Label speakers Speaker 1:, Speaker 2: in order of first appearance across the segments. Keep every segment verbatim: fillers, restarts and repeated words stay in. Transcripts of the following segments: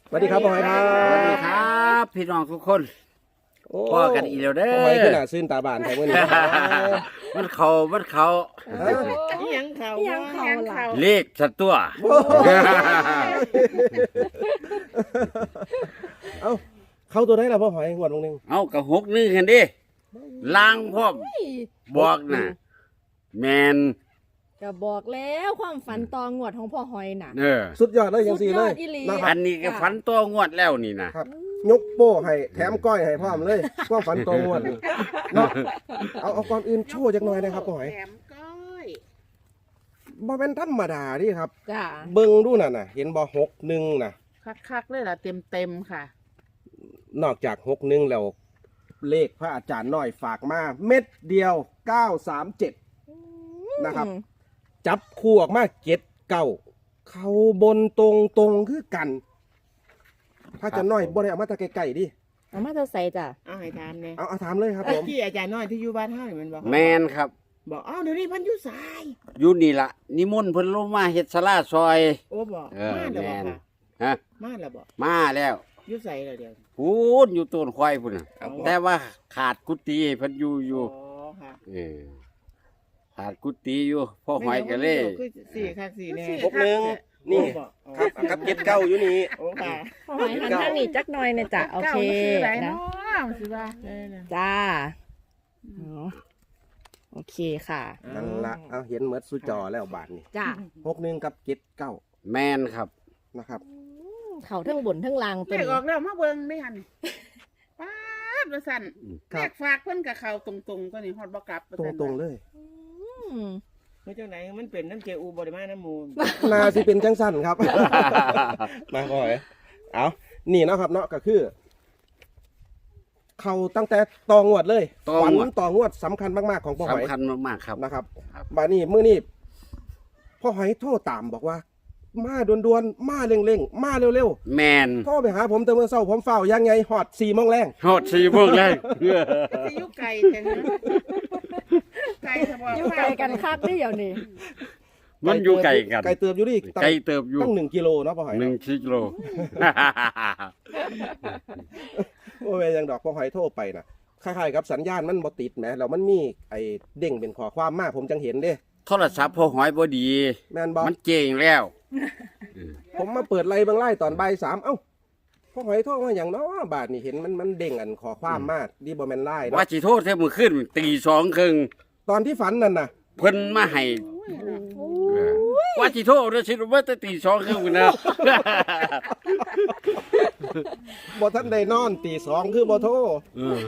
Speaker 1: สวัสดีครับพ่อหอยครับ
Speaker 2: สวัสดีครับพี่น้องทุกคน
Speaker 1: โอ้
Speaker 2: พ่อกันอีกแล้วเด้อ
Speaker 1: พ่อหอยขึ้นหน้าซื่นตาบานแถวนี้
Speaker 2: มันเขามันเขา
Speaker 3: อิหยังเขา
Speaker 4: อิหยังเขาล่ะ
Speaker 2: เลขสัตว์ตัว
Speaker 1: เอ้าเข้าตัวได้แล้วพ่อหอยงวดลงหนึง
Speaker 2: เอากับหกนึงกันดิล้างพร้อมบอกน่ะแมน
Speaker 4: ก็บอกแล้วความฝันตองวดของพ่อหอยน่ะ
Speaker 2: เออ
Speaker 1: สุดยอดเลยยังสี่เลย
Speaker 4: สุดยอดอีหลี
Speaker 1: นะค
Speaker 2: อั
Speaker 1: รับ
Speaker 2: นนี้ก็ฝันตัวงวดแล้วนี่นะครับ
Speaker 1: ยกโป้ให้แถมก้อยให้พร้อมเลยความฝันตัวงวดนี่เนาะเอาเอาก่อนอื่นโชว์จักหน่อยนะครับพ่อหอย
Speaker 3: แถมก้อย
Speaker 1: บ่เป็นธรรมดาดิครับ
Speaker 4: จ้า
Speaker 1: เบิ่งดูน่ะน่ะเห็นบ่หกหนึ่งน่ะ
Speaker 3: คักๆเลยล่ะเต็มเต็มๆค่ะ
Speaker 1: นอกจากหกหนึ่งแล้วเลขพระอาจารย์น้อยฝากมาเม็ดเดียวเก้าสามเจ็ดนะครับ จับคู่ออกมาเจ็ดเก้าเขาบนตรงตรงคือกันพระอาจารย์น้อยบ่ได้เอามาแตะไกลๆดิ
Speaker 4: เอามาจะใส่จ้ะ
Speaker 3: เอาให้ถามเนี่ย
Speaker 1: เอาเอาถามเลยครับผม
Speaker 3: ที่อาจารย์น้อยที่อยู่บ้านเฮานี่มันบอก
Speaker 2: แมนครับ
Speaker 3: บอกอ้าวเดี๋ยวนี้เพันอยู่สาย
Speaker 2: อยู่นี่ละนิมนต์เพิ่นลงมาเฮ็ดศาลาซอย
Speaker 3: โอ้บอก
Speaker 2: เออ
Speaker 3: มาแล้วบอก
Speaker 2: แม่น
Speaker 3: ค่ะ
Speaker 2: ฮะ
Speaker 3: มาแล้วบอก
Speaker 2: มาแล้ว
Speaker 3: อยู่ใส่แล้วเดี๋ยว
Speaker 2: พูนอยู่ต้นควายพุ่นน่ะ
Speaker 3: อ๋อ
Speaker 2: แต่ว่าขาดกุฏิให้เพิ่นอยู่อยู่
Speaker 3: อ๋อค่ะ
Speaker 2: เออขาดกุฏิอยู่พ่อหอยก็เลย
Speaker 3: คือสี่ค่ะสี่แน่
Speaker 1: หกหนึ่งนี่
Speaker 3: โอ้บอกอ๋อ
Speaker 1: ครับครับเจ็ดเก้าอยู่นี่
Speaker 3: โอ้ค่ะ
Speaker 4: พ่อหอยหันทางนี้จักหน่อยนะจ้ะโอเค
Speaker 3: ก้ามันคืออะไร
Speaker 4: นะ
Speaker 3: เนาะมันคือว่าเออน่ะ
Speaker 4: จ้าอ๋อโอเคค่ะ
Speaker 1: นั่นละเอาเห็นเหมือนสุจอแล้วบาทนี่
Speaker 4: จ้า
Speaker 1: หกหนึ่งกับเจ็ดเก้า
Speaker 2: แมนครับ
Speaker 1: นะครับ
Speaker 4: เขาทั้งบนทั้งล่าง
Speaker 3: เล
Speaker 4: ตัว
Speaker 3: ข
Speaker 4: นี้
Speaker 3: ออกแล้วมาเบิ่งได้หันป๊าดว่าสั่น
Speaker 1: ค
Speaker 3: เล
Speaker 1: รับ
Speaker 3: ขฝากเพิ่นกับเขาตรงๆตัวนี้ฮอดบ่กลับว่า
Speaker 1: ตรง
Speaker 3: ซั่น
Speaker 1: ตรงๆเลย
Speaker 4: อืม
Speaker 3: เมื่อจังไหนมันเป็นน้ำเจอูบริมาน้ำมูล
Speaker 1: นาสิเป็นจังสั้นครับ มาพ่อหอยเอานี่เนาะครับเนาะก็คือ เขาตั้งแต่ตองวดเลย
Speaker 2: ตอง
Speaker 1: ฝัน
Speaker 2: วด
Speaker 1: ตองวดสำคัญมากๆของพ่อหอย
Speaker 2: สำคัญมากๆครับ
Speaker 1: นะครับ
Speaker 2: ครับ
Speaker 1: บานี้มื้อนี้พ่อหอยโทรตามบอกว่า มาด่วนๆมาเร่งๆมาเร็ว
Speaker 2: แมน
Speaker 1: ๆโทรไปหาผมแต่เมื่อเช้าผมเฝ้ายังไงหอดสี่โมงแรง
Speaker 2: ฮอดสี่โมงเลย
Speaker 3: จะยุกไก่แทนนะไก่เฉพาะ
Speaker 4: อยู่ไกลกันคักนี่เดี๋ยวนี้
Speaker 2: มันอยู่ไกลกัน
Speaker 1: ไกลเติบอยู่ดิตั้ง
Speaker 2: ไกลเติบอยู่
Speaker 1: ตั้งหนึ่งกิโลเนาะพ่อหอย
Speaker 2: หนึ่ง
Speaker 1: เนาะ
Speaker 2: กิโล
Speaker 1: โอ้ยยังดอกพ่อหอยโทรไปนะคล้ายๆกับสัญญาณมันบ่ติดแหมแล้วมันมีไอ้เด้งเป็นข้อความมาผมจังเห็นเด้
Speaker 2: โทรศัพท์พอหอยบ่ดี
Speaker 1: แม่นบ่
Speaker 2: มันเจ๋งแล้ว
Speaker 1: ผมมาเปิดไล่เบางไล่ตอนบ่ายสามเอ้าพ่อหอยโทรมาอย่างเนาะบาทนี่เห็นมันมันเด้งอันข้อความมาดีบ่แม่นไล่
Speaker 2: ว่า
Speaker 1: เนาะ
Speaker 2: สิโทษแท้มือขึ้นตีสองครึ่ง
Speaker 1: ตอนที่ฝันนั่นน่ะ
Speaker 2: เพิ่นมาให้เออว่าสิโทษเด้อสิว่าแต่ตีสองครึ่งพุ่นนะ
Speaker 1: บ่ทันได้นอนตีสองคือบ่โทร
Speaker 2: เออ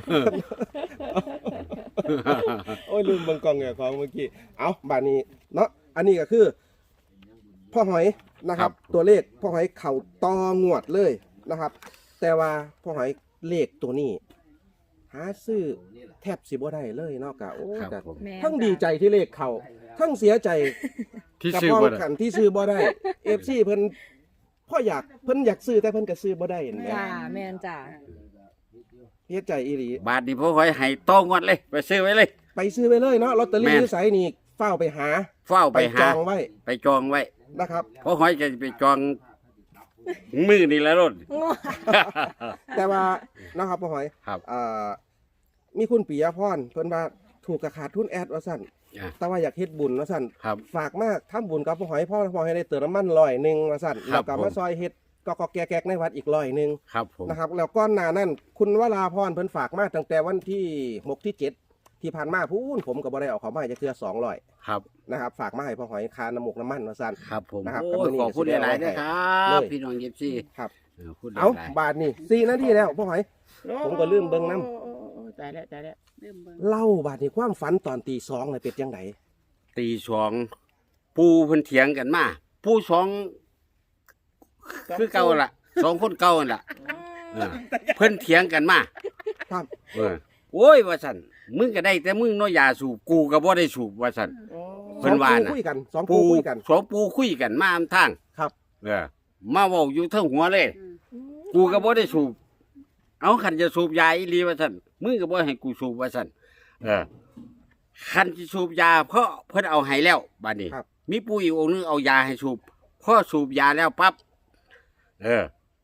Speaker 1: โอ้ยลืมเบิ่งกล้องแง่ของเมื่อกี้เอาบาทนี้เนาะอันนี้ก็คือพ่อหอยนะครับ ตัวเลขพ่อหอยเข่าตองวดเลยนะครับ แต่ว่าพ่อหอยเลขตัวนี้ หาซื้อแทบสิบ่ได้เลยเนาะกะโอ้
Speaker 2: ครับ
Speaker 1: กะ
Speaker 2: ผม
Speaker 4: แม่น
Speaker 1: ทั้งดีใจที่เลขเขาทั้งเสียใจ
Speaker 2: ที่
Speaker 1: กับ
Speaker 2: ซื้อ
Speaker 1: พ้อง
Speaker 2: บ่ได้
Speaker 1: ขันที่ซื้อบ่ได้ เอฟซีเพิ่นพ่ออยากเพิ่นอยากซื้อแต่เพิ่นก็ซื้อบ่ได้เห็นไหม
Speaker 4: จ้าแม่นจ้า
Speaker 1: เฮ็ดใจอีหลี
Speaker 2: บาทนี้พอหอยให้ต้องงวดเลย ไปซื้อไว้เลย
Speaker 1: ไปซื้อไปเลยเนาะลอตเตอรี่
Speaker 2: แม่น
Speaker 1: ที่ไสนี่เฝ้าไปหา
Speaker 2: เฝ้าไปหา
Speaker 1: จองไว้
Speaker 2: ไปจองไว้
Speaker 1: นะครับ
Speaker 2: พอหอยจะไปจองมือนี่แหละรถ
Speaker 1: แต่ว่านะครับพ่อหอย
Speaker 2: ครับ
Speaker 1: เอ่อมีคุณปิยพรเพิ่นว่าถูกกระขาดทุนแอดว่าซั่น
Speaker 2: อ่ะ
Speaker 1: แต่ว่าอยากเฮ็ดบุญว่าซั่น
Speaker 2: ครับ
Speaker 1: ฝากมาทำบุญกับพ่อหอยพ่อพ่อให้ได้เติมน้ำมันร้อยหนึงว่าซั่น
Speaker 2: ครั
Speaker 1: แล้ว
Speaker 2: บ
Speaker 1: ก็
Speaker 2: ผม
Speaker 1: มาซอยเฮ็ดก็ก็แกกๆในวัดอีกร้อยหนึง
Speaker 2: ครับผม
Speaker 1: นะครับแล้วก้อนหน้านั้นคุณวราพรเพิ่นฝากมาตั้งแต่วันที่หกที่เจ็ดที่ผ่านมาพูนผมก็บ่ได้เอาเขามาให้จะเทื่อสองร้อย
Speaker 2: ครับ
Speaker 1: นะครับฝากมาให้พ่อหอยคาน้ำมูกน้ำมันว่าซั่น
Speaker 2: ครับผม
Speaker 1: นะครับ
Speaker 2: โอ้ย
Speaker 1: กับมื้อนี้
Speaker 2: ขอบคุณหลายๆนะครั
Speaker 1: เล
Speaker 2: บ
Speaker 1: ย
Speaker 2: พี่น้องเย็บซี่
Speaker 1: ครับ
Speaker 2: เออพูดห
Speaker 1: เอา
Speaker 2: ลาย
Speaker 1: บาทนี่สี่นาทีแล้วพ่อหอย ผมก็ลืมเบิ่งนำ
Speaker 3: โอ้โอ้โอ้ตายแล้วตายแล้วลืมเบิ่ง
Speaker 1: เล่าบาทนี่ความฝันตอนตีสองเลยเป็นยังไง
Speaker 2: ๆตีสองปูเพิ่นเถียงกันมาปูสองคือเก่าล่ะสองคนเก่านั่นล่ะเออเพิ่นเถียงกันมา
Speaker 1: ครับ
Speaker 2: เออโอ้ยว่าซั่นมึงก็ได้แต่มึงเนาะยาสูบกูก็บ่ได้สูบว่าซั่น
Speaker 3: โอ้
Speaker 2: เพิ่นว่า
Speaker 1: สอง
Speaker 2: น่ะ
Speaker 1: ปูคุยกันสอง
Speaker 2: ปู
Speaker 1: ปูคุยกัน
Speaker 2: สองปูคุยกันมาอำทาง
Speaker 1: ครับ
Speaker 2: เออมาเว้าอยู่เทั้งหัวเลย
Speaker 3: อืม
Speaker 2: กูก็บ่ได้สูบ เอาคันจะสูบยาอีหลีว่าซั่นมึงก็บ่ให้กูสูบว่าซั่นเออคันสิสูบยาเพราะเพิ่นเอาให้แล้วบัดนี้
Speaker 1: ครับ
Speaker 2: มีปู่อีกองค์นึงเอายาให้สูบพอสูบยาแล้วปั๊บเออ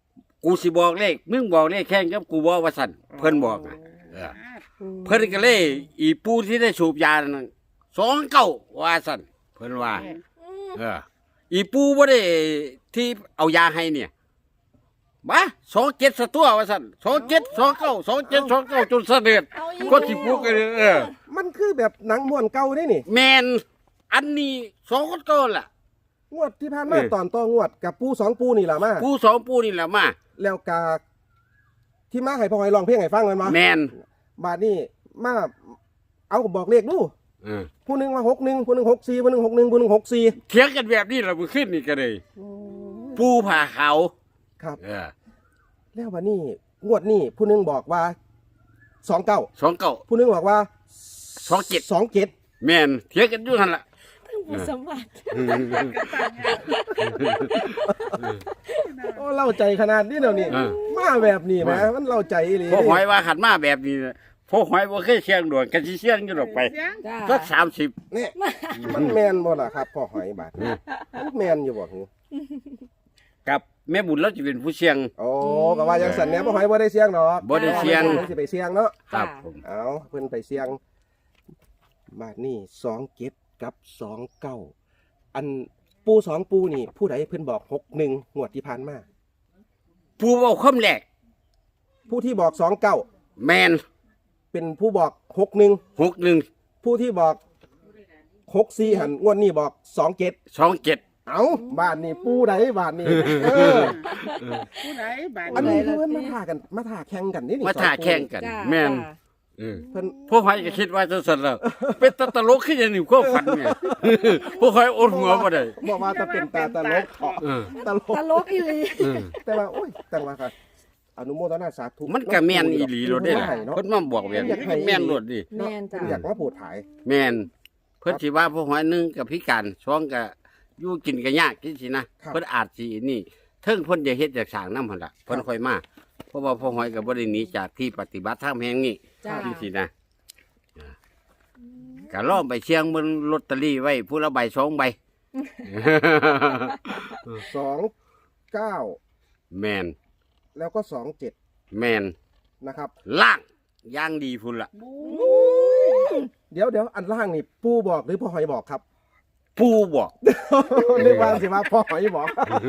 Speaker 2: กูสิบอกเลขมึงบอกเลขแข่งกับกูบอกว่าสั่นเพิ่นบอกนะเออเพิ่นก็เลยอีปูที่ได้สูบยานั่นสองเก้าว่าสั่นเพิ่นว่า เอออีปูบ่ได้ที่เอายาให้เนี่ยมาสองเจ็ดสตัวว่าสั่นสองเจ็ดสองเก้าสองเจ็ดสองเก้าจนเสด็จ
Speaker 4: เอาอีก
Speaker 2: ก็สิปลุกกันเลยเออ
Speaker 1: มันคือแบบหนังม้วนเก่าได้นี่
Speaker 2: แมนอันนี้สองคนก่อนล่ะ
Speaker 1: งวดที่ผ่านมา
Speaker 2: เออ
Speaker 1: ตอนต่องวดกับปูสองปูนี่แหละมา
Speaker 2: ปูสองปูนี่แหละมา
Speaker 1: แล้วกาที่มาให้พ่อหอยลองเพลงให้ฟังกันมา
Speaker 2: แมน
Speaker 1: บาดนี้มาเอาบอกเลขดู
Speaker 2: เออ
Speaker 1: ผู้หนึ่งว่าหกหนึ่งผู้หนึ่งหกสี่ผู้หนึ่งหกหนึ่งผู้หนึ่งหกสี่
Speaker 2: เถียงกันแบบนี้เราไปขึ้นนี่กันเลย ปูผ่าเขา
Speaker 1: ครับ
Speaker 2: เออ
Speaker 1: แล้ววันนี้งวดนี้ผู้หนึ่งบอกว่าสองเก้า
Speaker 2: สองเก้า
Speaker 1: ผู้หนึ่งบอกว่า
Speaker 2: สองเจ็ด
Speaker 1: สองเจ็ด
Speaker 2: แมนเถียงกันอยู่นั่นล่ะ
Speaker 4: ผู้สมบัติ
Speaker 1: โอ้เล่าใจขนาดนี้เดี๋ยวนี้
Speaker 2: เออ
Speaker 1: มาแบบนี้นะมันเล่าใจอีหลี
Speaker 2: พวกหอยว่าขันมาแบบนี้นะพวกหอยว่าเคยเชียงด่วนกันสิเชียงอยู่ดอกไป
Speaker 3: เสียง
Speaker 4: จ้า
Speaker 2: สักสามสิบ
Speaker 1: เนี่ยมันแมนบ่ล่ะครับพ่อหอยบาดนี้มันแมนอยู่บ่หือ
Speaker 2: กับแม่บุญเราจะเป็นผู้เชียง
Speaker 1: โอ้ก็ว่ายังสันเนี้ยพ่อหอยบ่ได้เสียงดอก
Speaker 2: บ่ได้เสี่ยง
Speaker 1: เพิ่นสิไปเสียงเนาะ
Speaker 2: ครับผม
Speaker 1: เอาเพิ่นไปเสียงบาดนี้สองเจ็ดกับสองเก้าอันปูสองปูนี่ ผู้ใดเพิ่นบอกหกหนึ่งงวดที่ผ่านมา
Speaker 2: ปูเอาคำแรก
Speaker 1: ผู้ที่บอกสองเก้า
Speaker 2: แมน
Speaker 1: เป็นผู้บอกหกหนึ่ง
Speaker 2: หกหนึ่ง
Speaker 1: ผู้ที่บอกหกสี่หันงวดนี้บอกสองเจ็ด
Speaker 2: สองเจ็ด
Speaker 1: เอาบ้านนี่ปูใดบ้านนี่เออ
Speaker 3: ผู้ใดบาด
Speaker 1: อันนี้คือเพิ่นมาท่ากันมาท่าแข่งกันนี่นี่
Speaker 2: มาถ่าแข่งกัน
Speaker 4: จ้า
Speaker 2: แมน
Speaker 4: จ้า
Speaker 2: เออ
Speaker 1: เพิ่น
Speaker 2: พวกหอยก็คิดว่าจะสนแล้วเป็นตาตลกขึ้นอย่างหนึ่งก็ฝันเนี่ยพวกหอยอดหัวมาได้
Speaker 1: บอกว่าจะเป็นตาตลกเถาะ
Speaker 2: เออ
Speaker 1: ตลก
Speaker 4: ตลกอีหลี
Speaker 2: เออ
Speaker 1: แต่ว่าโอ้ยแต่ว่าค่ะอนุโมทนาสาธุ
Speaker 2: มันก็แมนอีหลีโลดได้ล่ะ
Speaker 1: เนาะ
Speaker 2: เพิ่นมาบอกแบบนี้แมนโลดดิ
Speaker 4: แม่นจ้า
Speaker 1: อยากมาพูดถ่าย
Speaker 2: แมนเพิ่นสิว่าพวกหอยหนึงกับพิการสองก็อยู่กินก็ยากจังซี่นะเพิ่นอาจสินี่เทิงเพิ่นจะเฮ็ดจากสร้างนำหั่นล่ะเพิ่นค่อยมาเพราะว่าพวกหอยก็บ่ได้หนีจากที่ปฏิบัติธรรมแห่งนี้
Speaker 4: จ้า
Speaker 2: จังซี่นะก็ลองไปเชียงเบิ่งลอตเตอรี่ไว้ผู้ละใบสองใบ
Speaker 1: สองเก้า
Speaker 2: แมน
Speaker 1: แล้วก็สองเจ็ด
Speaker 2: แมน
Speaker 1: นะครับ
Speaker 2: ล่างย่างดีพุ่นละ
Speaker 1: เดี๋ยวเดี๋ยวอันล่างนี่ปูบอกหรือพ่อหอยบอกครับ
Speaker 2: ปูบอก
Speaker 1: นึกว่าสิว่าพ่อหอยบอก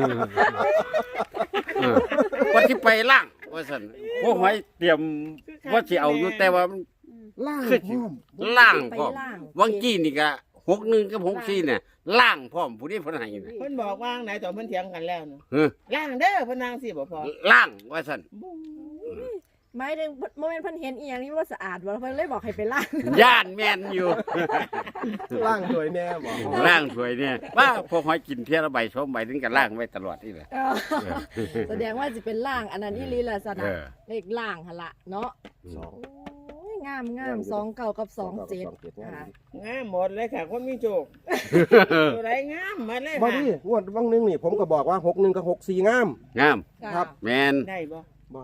Speaker 2: เออว่าที่ไปล่างว่าสันพวกหอยเตรียมว่าสิเอาอยู่แต่ว่ามัน
Speaker 1: ล่าง
Speaker 2: คือ
Speaker 1: พร้อม
Speaker 2: ล่าง
Speaker 4: ไป
Speaker 2: พร้อม
Speaker 4: ล่าง
Speaker 2: วังกี้นี่ก็หกหนึ่งกับหกสี่เนี่ยล่างพร้อมผู้นี้เพิ่นให้น่ะ
Speaker 3: เพิ่นบอกว่าไหนตอนเพิ่นเถียงกันแล้วเนาะ
Speaker 2: เออ
Speaker 3: ล่างเด้อเพิ่นนางสิบ่พอ
Speaker 2: ล่างว่าสัน
Speaker 4: หมายถึงโมเมนต์เพิ่นเห็นอีหยังนี่ว่าสะอาดบ่เพิ่นเลยบอกให้ไปล้าง
Speaker 2: ย่านแมนอยู่
Speaker 1: ล่างสวยแน่บอก
Speaker 2: ล่างสวยเนี่ยว่าพวกหอยกินเที่ยละใบสองใบถึงกับล่างไว้ตลอดนี่แหละ
Speaker 4: เออแสดงว่าสิเป็นล่างอันนั้นอีหลีล่ะสนะ
Speaker 2: เออ
Speaker 4: เลขล่างหั่นล่ะเนาะ
Speaker 1: สอง
Speaker 4: โอ้ยงามงามสองเก้ากับสองเจ็ด
Speaker 1: งาม
Speaker 4: ค่ะ
Speaker 3: งามหมดเลยค่ะคนมีโชคตัวใดงามหมดเลย
Speaker 1: บอ
Speaker 3: ค่ะ
Speaker 1: ดี้งวดวังหนึงนี่ผมก็บอกว่าหกหนึ่งกับหกสี่งาม
Speaker 2: งาม
Speaker 4: จ้า
Speaker 1: ครับ
Speaker 2: แมน
Speaker 3: ได้บ่
Speaker 1: บอก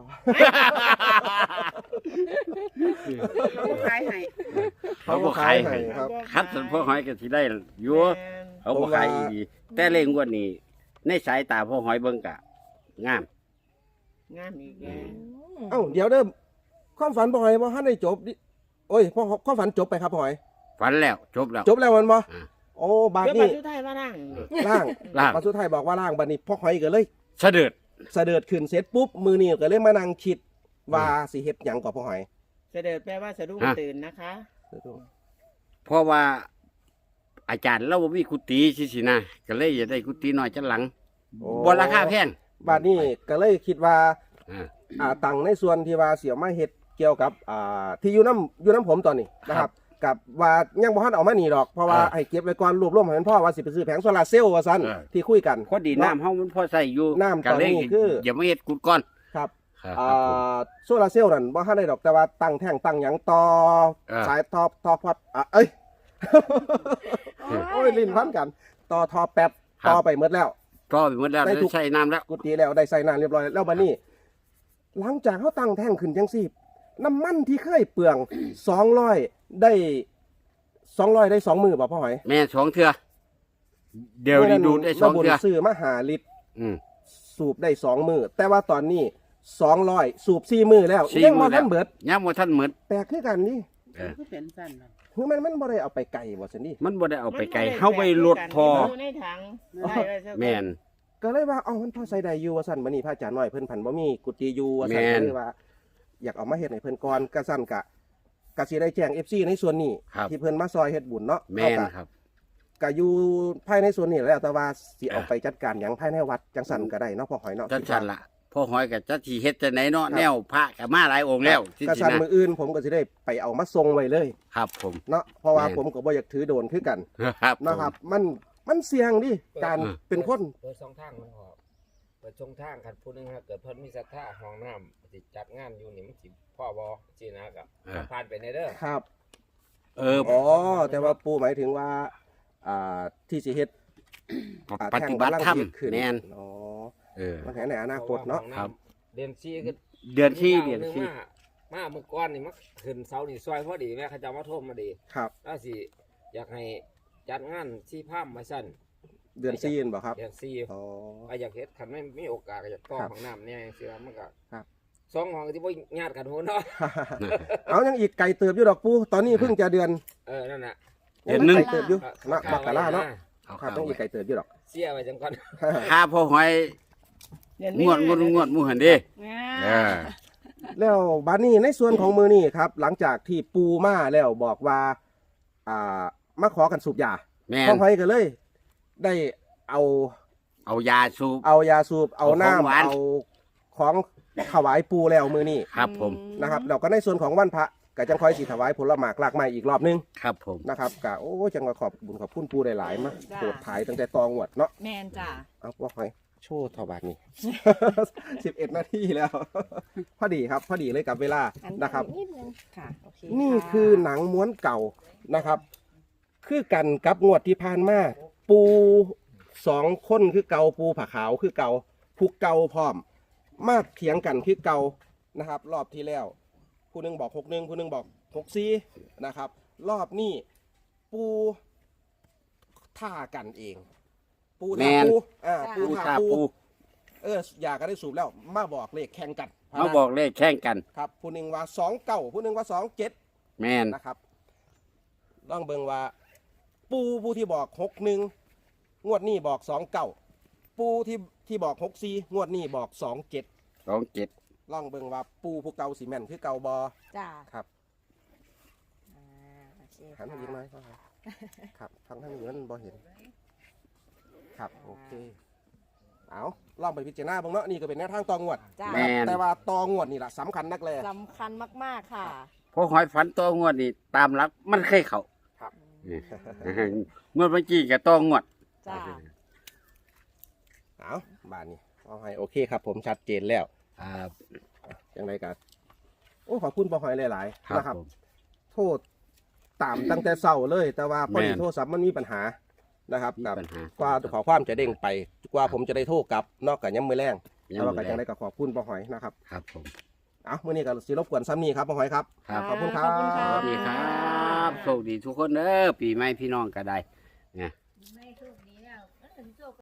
Speaker 3: เขาก็ขายให้
Speaker 2: เขาบ่ขายให้
Speaker 1: ครับ
Speaker 2: คัดสันพวกหอยก็สิได้อยู่
Speaker 3: แม่น
Speaker 2: เขาบ่ขายดีแต่เล่งกว่านี้ในสายตาพ่อหอยเบิ่งกะงาม
Speaker 3: งามอีกแล้ว
Speaker 1: เอ้าเดี๋ยวเด้อความฝันพ่อหอยบ่ทันได้จบดิโอ้ยพ่อความฝันจบไปครับพ่อหอย
Speaker 2: ฝันแล้วจบแล้ว
Speaker 1: จบแล้วมันบ่
Speaker 2: อ่า
Speaker 1: โอ้บาด
Speaker 3: เดี๋ยว
Speaker 1: นี้
Speaker 3: ปัจจุบันมานั่ง
Speaker 1: ล่าง
Speaker 2: ล่าง
Speaker 1: บาดสุดท้ายบอกว่าล่างบาดนี้พ่อหอยก็เลย
Speaker 2: เสด็จ
Speaker 1: เสด็จขึ้นเสร็จปุ๊บมือนี่ก็เลยมานั่งคิดว่าสิเฮ็ดหยังกับพ่อหอย
Speaker 3: เสด็จแปลว่าสะดุ้งตื่นนะคะ
Speaker 2: เพราะว่าอาจารย์เราบ่มีกุฏิสิสินะก็เลยอยากได้กุฏิน้อยจังหลัง
Speaker 1: โอ้
Speaker 2: บ่ราคาแพง
Speaker 1: บาดนี้ก็เลยคิดว่า
Speaker 2: อ่า
Speaker 1: อ่าตังในส่วนที่ว่าเสียวมาเฮ็ดเกี่ยวกับอ่าที่อยู่น้ำอยู่น้ำผมตอนนี้นะครับ กับว่ายังบ่ทันเอามานี่ดอกเพราะว่า
Speaker 2: อ่า
Speaker 1: ให้เก็บไว้ก่อนรวบรวมให้มันพ่อว่าสิไปซื้อแผงโซลาร์เซลล์ว่าซั่น
Speaker 2: อ่า
Speaker 1: ที่คุยกัน
Speaker 2: พอดีน้ำเฮามันพอใส่อยู่
Speaker 1: น้ำต
Speaker 2: ก็
Speaker 1: อน
Speaker 2: เลย
Speaker 1: นี้คือ
Speaker 2: อย่ามาเฮ็ดกุดก่อน
Speaker 1: ครับ
Speaker 2: ครับ
Speaker 1: อ่
Speaker 2: ครับผม
Speaker 1: าโซลาร์เซลล์นั่นบ่ทันได้ดอกแต่ว่าตั้งแท่งตั้งหยังต่อ
Speaker 2: อ่า
Speaker 1: สายทอทอพัดอ่ะเอ้ย โอ้ยลิ้นพันกัน ต่อทอแป๊บต่อไปหมดแล้ว
Speaker 2: ก็ไปหมดแล้ว
Speaker 1: ได้ทุก
Speaker 2: ใช้น้ำแล้ว
Speaker 1: กุฏิแล้วได้ใส่น้ำเรียบร้อยแล้วบัดนี้ หลังจากเขาตั้งแท่งขึ้นจังซี่น้ำมันที่เคยเปลือง สองร้อยได้สองร้อยได้สองมือบ่พ่อหอย
Speaker 2: แม่สองเทื่อเดี๋ยวนี้ดูดได้สอง
Speaker 1: ระบุญ
Speaker 2: เทื่อ
Speaker 1: ซื้อมาหาลิตร
Speaker 2: อืม
Speaker 1: สูบได้สองมือแต่ว่าตอนนี้สองร้อยสูบสี่มือแล้ว
Speaker 2: สี่
Speaker 1: ยัง
Speaker 2: มื้
Speaker 1: บ่
Speaker 2: อแล้
Speaker 1: ทั
Speaker 2: วน
Speaker 1: เบิด
Speaker 2: ยังบ่ทันหมด
Speaker 1: แปลกคือกันนี่
Speaker 2: เออ
Speaker 3: คือเป็นสั้นเนาะ
Speaker 1: คือมันมันบ่ได้เอาไปไกลบ่ซั่นนี่
Speaker 2: มันบ่ได้เอาไปไกล
Speaker 3: มันบ่ด้
Speaker 2: เฮาไปลดพอ
Speaker 3: อยู่ในถังได้ไว้ซะก่อน
Speaker 2: แม่น
Speaker 1: ก็เลยว่าเอามันพอใส่ได้อยู่ว่าซั่นบัดนี้พระอาจารย์น้อยเพิ่นพันบ่มีกุฏิอยู่ว่าซั่น
Speaker 2: แม่น
Speaker 1: ก็เลยว่า อยากเอามาเฮ็ดให้เพิ่นก่อนก็ซั่นกะก็สิได้แจ้ง เอฟ ซี ในส่วนนี้
Speaker 2: ครับ
Speaker 1: ที่เพิ่นมาซอยเฮ็ดบุญเนาะ
Speaker 2: แม่น
Speaker 1: เอากะ
Speaker 2: ครับ
Speaker 1: ก็อยู่ภายในส่วนนี้แหล้วแต่ว่าสิเอา
Speaker 2: อ่ะ
Speaker 1: ไปจัดการหยังภายในวัดจังซั่นก็ได้เนาะพ่อหอยเนาะ
Speaker 2: จังซั่นล่ะพ่อหอยก็จักสิเฮ็ดจังไหนเนาะแนวพระก็มาหลายองค์แล้วที่
Speaker 1: ก็
Speaker 2: สิ
Speaker 1: ซั่น
Speaker 2: นะ
Speaker 1: มื้ออื่นผมก็สิได้ไปเอามาส่งไว้เลย
Speaker 2: ครับผม
Speaker 1: เนาะเพราะว่า
Speaker 2: แม่น
Speaker 1: ผมก็บ่อยากถือโดนคือกัน
Speaker 2: ครับ
Speaker 1: เนาะครับ มันมันเสี่ยงดิการ
Speaker 2: อ่า
Speaker 1: เป็นคน
Speaker 5: เปิดช่องทางมันออกเปิดช่องทางคันผู้หนึงถ้าเกิดเพิ่นมีศรัทธาห้องน้ำสิจัดงานอยู่นี่มันสิพ่อบ่สินะกับ
Speaker 2: เออ
Speaker 5: ผ่านไปในเด้อ
Speaker 1: ครับ
Speaker 2: เออ
Speaker 1: อ๋อแต่ว่าปู่หมายถึงว่าอ่าที่สิเฮ็ดอ่า
Speaker 2: ปฏิบัติธรรม
Speaker 1: แท่งกำลังเฮ็ดขึ้น
Speaker 2: แม่น
Speaker 1: อ๋อ
Speaker 2: เออ
Speaker 1: มันแห่ในอนาคตเนาะ
Speaker 5: พรว่ห้อง
Speaker 2: ครับ
Speaker 5: เดือนสี่ก็
Speaker 2: เดือนที่
Speaker 5: มี
Speaker 2: เดือน
Speaker 5: หง
Speaker 2: ที่
Speaker 5: มามาเมื่อก่อนนี่มาขึ้นเสานี่ซอยพอดีแม่เขาเจ้ามาโทรมาดี
Speaker 1: ครับ
Speaker 5: แล้วสิอยากให้จัดงานที่ภาพมาสั่น
Speaker 1: เดือนซีนบ่ครับ
Speaker 5: เดือนสี่
Speaker 1: อ๋อ
Speaker 5: ก็อยากเฮ็ดคันไม่มีโอกาสก็อยากต่อ
Speaker 1: ครับ
Speaker 5: ห้องน้ำเนี่ยจังซี่ว่ามันก็
Speaker 1: ครับ
Speaker 5: สองห้องที่บ่ญาติกันโหเนาะ
Speaker 1: เอายังอีกไก่เติบอยู่ดอกปูตอนนี้เพิ่งจะเดือน
Speaker 5: เออนั่นน่ะ
Speaker 2: เดือนหนึ่ง
Speaker 1: ไก่เติบอยู่เนาะ
Speaker 5: ข้
Speaker 1: มกราเนาะ
Speaker 2: เอา
Speaker 1: ครับ
Speaker 2: เข้า
Speaker 1: ต้องอีกไก่เติบอยู่ดอก
Speaker 5: เสียไว้จังก่อน
Speaker 2: ค่าพ่อหอย
Speaker 3: เดือน
Speaker 2: ง
Speaker 3: มี
Speaker 2: วด
Speaker 3: นาง
Speaker 2: วดงวดหมู่หั่นเด้
Speaker 3: อ่า
Speaker 2: เออ
Speaker 1: แล้วบานี้ในส่วนของมือนี่ครับ หลังจากที่ปูมาแล้วบอกว่า อ่ามาขอกันสูบยา
Speaker 2: แม่
Speaker 1: พ่อน หอยก็เลย ได้เอา
Speaker 2: เอายาสูบ
Speaker 1: เอายาสูบเอา
Speaker 2: เอาของหวาน
Speaker 1: น้ำเอาของถวายปูแล้วมือนี่
Speaker 2: ครับผม
Speaker 1: นะครับแล้วก็ในส่วนของวันพระก็จังคอยสีถวายผลหมากลากไม้อีกรอบนึง
Speaker 2: ครับผม
Speaker 1: นะครับก็โอ้จังก็ขอบบุญขอบคุณปูได้หลายๆมากโปรดถ่ายตั้งแต่ตองวดเนาะ
Speaker 4: แมนจ้า
Speaker 1: เอาว่าหอยโชว์ถวายนี่ สิบเอ็ดนาทีแล้ว พอดีครับ พอดีเลยกับเวลานะครับ
Speaker 4: นิดนึงค่ะโอเค
Speaker 1: นี่
Speaker 4: ะ
Speaker 1: คือหนังม้วนเก่านะครับ คือกันกับงวดที่ผ่านมาปูสองคนคือเก่าปูผาขาวคือเก่าผู้เก่าพร้อม มาเถียงกันคือเก่านะครับ รอบที่แล้วผู้หนึงบอกหกหนึ่งผู้หนึงบอกหกสี่นะครับ รอบนี้ปูท่ากันเอง ปูท่า
Speaker 2: แม่น
Speaker 1: ปูอ่าปู
Speaker 2: ปู
Speaker 1: ท่า
Speaker 2: ชา
Speaker 1: ปู
Speaker 2: ปู
Speaker 1: เอออยากก็ได้สูบแล้ว มาบอกเลขแข่งกัน
Speaker 2: เขาบอกเลขแข่งกัน
Speaker 1: ครับผู้หนึ่งว่าสองเก้าผู้หนึ่งว่าสองเจ็ด
Speaker 2: แม่น
Speaker 1: นะครับลองเบิ่งว่า ปูผู้ที่บอกหกหนึ่งงวดนี้บอกสองเก้าปูที่ที่บอกหกสี่งวดนี้บอกสองเจ็ด
Speaker 2: สองเจ็ด
Speaker 1: ลองเบิ่งว่าปูผู้เก่าสีแม่นคือเก่าบอ
Speaker 4: จ้า
Speaker 1: ครับ
Speaker 4: อ่าโอเค
Speaker 1: หันมา
Speaker 4: ค่ะ
Speaker 1: ยิ้มหน่อยครับครับทางทางนี้มันบอเห็น ครับโอเคเอาลองไปพิจารณาเบ้างเนาะนี่ก็เป็นแนวทางตองวด
Speaker 4: จ้า
Speaker 2: แม่น
Speaker 1: แต่ว่าตองวดนี่แหละสำคัญนักเลย
Speaker 4: สำคัญมากๆค่ะ
Speaker 2: พ่อหอยฝันตัวงวดนี่ตามหลักมันเคยเข้า
Speaker 1: ครับ
Speaker 2: เอองวดเมื่อกี้ก็ต้องงวด
Speaker 4: จ้า
Speaker 1: เอาบ้านนี้เอาให้โอเคครับ ผมชัดเจนแล้ว
Speaker 2: ครับ
Speaker 1: อย่างไรกันโอ้ขอบคุณปอหอยหลาย
Speaker 2: ค
Speaker 1: ๆ
Speaker 2: รับ
Speaker 1: นะครับ
Speaker 2: ผม
Speaker 1: โทษตามตั้งแต่เศร้าเลย แต่ว่าพอดี
Speaker 2: แม่น
Speaker 1: โทรศัพท์มันมีปัญหานะครับ
Speaker 2: มี
Speaker 1: กับ
Speaker 2: ปัญหา
Speaker 1: กว่าขอความจะเด้งไป กว่าผมจะได้โทรกลับ นอกจากย้ำมือแรง
Speaker 2: ยั
Speaker 1: แต่
Speaker 2: ง
Speaker 1: ว่า
Speaker 2: ไม่
Speaker 1: ก็
Speaker 2: ได้
Speaker 1: ยังได้ก็ขอบคุณปอหอยนะครับ
Speaker 2: ครับผม
Speaker 1: เอามื่อนี้ก็สิรบกวนซ้ำนี้ครับปอหอยครับ
Speaker 2: ครับ
Speaker 1: ขอบคุณครั
Speaker 4: ขอบคุณค่ะ
Speaker 2: สวั
Speaker 1: บ
Speaker 2: สดีครับโชคดีทุกคนเด้อปีใหม่พี่น้องก็ได้
Speaker 1: ค